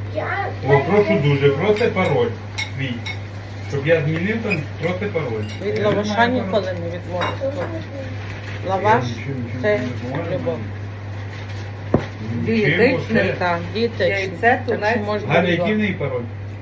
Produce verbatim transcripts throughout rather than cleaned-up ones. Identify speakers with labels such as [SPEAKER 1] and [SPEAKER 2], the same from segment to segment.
[SPEAKER 1] Я...
[SPEAKER 2] О, прошу дуже, проси пароль свій. Щоб я змінив там, проси пароль.
[SPEAKER 3] Від
[SPEAKER 2] Я
[SPEAKER 3] лаваша
[SPEAKER 2] не знаю
[SPEAKER 3] ніколи
[SPEAKER 2] пароль.
[SPEAKER 3] не відмовиться. Лаваш
[SPEAKER 2] Я нічого- нічого
[SPEAKER 3] це
[SPEAKER 2] не можу.
[SPEAKER 3] любов.
[SPEAKER 2] Нічим,
[SPEAKER 3] Дієтичний,
[SPEAKER 2] оце.
[SPEAKER 3] так, дієтичний.
[SPEAKER 4] Яйце,
[SPEAKER 3] Так що
[SPEAKER 4] тунець.
[SPEAKER 3] можна
[SPEAKER 2] Галя,
[SPEAKER 3] було.
[SPEAKER 2] який в неї пароль?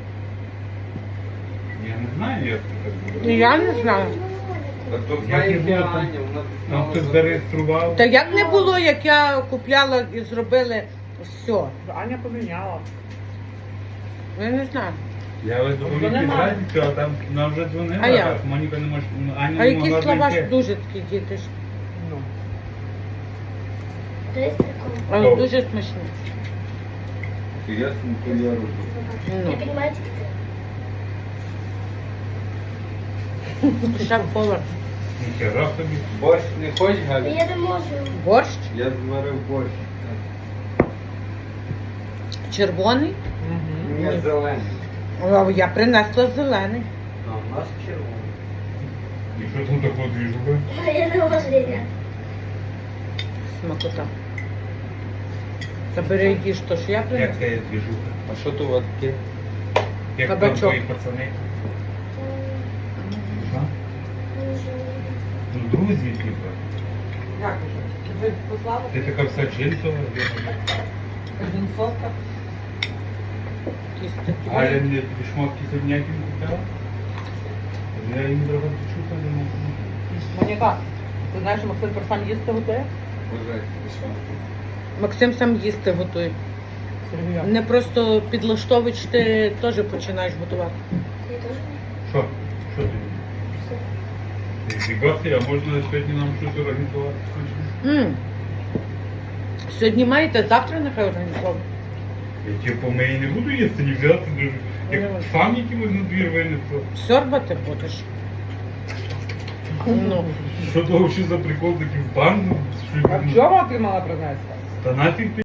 [SPEAKER 2] Я не знаю, як це так буде.
[SPEAKER 3] Я не знаю.
[SPEAKER 5] Та то
[SPEAKER 2] Як
[SPEAKER 5] знає
[SPEAKER 2] не було,
[SPEAKER 5] Аня,
[SPEAKER 2] там-
[SPEAKER 5] вона
[SPEAKER 2] Там
[SPEAKER 5] знала
[SPEAKER 2] хтось
[SPEAKER 5] за-
[SPEAKER 2] зареєстрував.
[SPEAKER 3] Та як не було, як я купляла і зробили все.
[SPEAKER 4] Аня поміняла.
[SPEAKER 3] Я не знаю.
[SPEAKER 2] Я ось до
[SPEAKER 4] Вона
[SPEAKER 2] Моніки
[SPEAKER 4] має.
[SPEAKER 2] зрадницю, а там вона вже дзвонила,
[SPEAKER 3] А як?
[SPEAKER 2] а Моніка не може, Аня
[SPEAKER 3] А
[SPEAKER 2] не могла
[SPEAKER 3] якийсь лаваш
[SPEAKER 2] зайти.
[SPEAKER 3] дуже такий дієтичний.
[SPEAKER 4] Ну.
[SPEAKER 3] Але
[SPEAKER 2] О.
[SPEAKER 3] дуже смачний.
[SPEAKER 5] То я то я роблю.
[SPEAKER 3] Ну,
[SPEAKER 1] Я понимаю,
[SPEAKER 3] шеф-повар.
[SPEAKER 2] Ніхера собі.
[SPEAKER 5] Борщ не хочеш, Галя?
[SPEAKER 1] я не можу.
[SPEAKER 3] Борщ
[SPEAKER 5] Я зварив борщ.
[SPEAKER 3] червоний.
[SPEAKER 5] Ні, зелений.
[SPEAKER 3] А я принесла зелений.
[SPEAKER 5] А у нас червоний.
[SPEAKER 2] І що там такого двіжуха?
[SPEAKER 1] Я не можу, Ліля.
[SPEAKER 3] Смакота. Забери їж то, що я
[SPEAKER 2] Як
[SPEAKER 3] принесла.
[SPEAKER 2] це є двіжуха?
[SPEAKER 5] А що то у вас таке?
[SPEAKER 2] Як там
[SPEAKER 3] Кабачок.
[SPEAKER 2] твої пацани? Що? Ну, друзі, типа.
[SPEAKER 4] Як уже? Ви послали?
[SPEAKER 2] Ти така вся джинсова.
[SPEAKER 4] Один сотка.
[SPEAKER 3] Якісь такі.
[SPEAKER 2] Галя мені тобі шмотки сьогодні які купила. Я їм трохи почув, не можу.
[SPEAKER 4] Моніка, ти знаєш, що Максим сам їсти готує?
[SPEAKER 5] Бажайте, що?
[SPEAKER 3] Максим сам їсти готує.
[SPEAKER 4] Сергія.
[SPEAKER 3] Не просто підлаштовуєш, ти теж починаєш готувати.
[SPEAKER 1] Я теж.
[SPEAKER 2] Що? Що ти? Зібався, а можна сьогодні нам щось організувати?
[SPEAKER 3] М. Сьогодні маєте, завтра нехай організовуємо.
[SPEAKER 2] Я типу, ми і не буду їсти, ні взяти, ні- як
[SPEAKER 3] Ну.
[SPEAKER 2] сам якимось на двір винесу.
[SPEAKER 3] Сьорбати будеш. Ну.
[SPEAKER 2] Що того ще за прикол такий в банду? Що
[SPEAKER 4] А в
[SPEAKER 2] він-
[SPEAKER 4] чому ти мала принести?
[SPEAKER 2] Та нафіг ти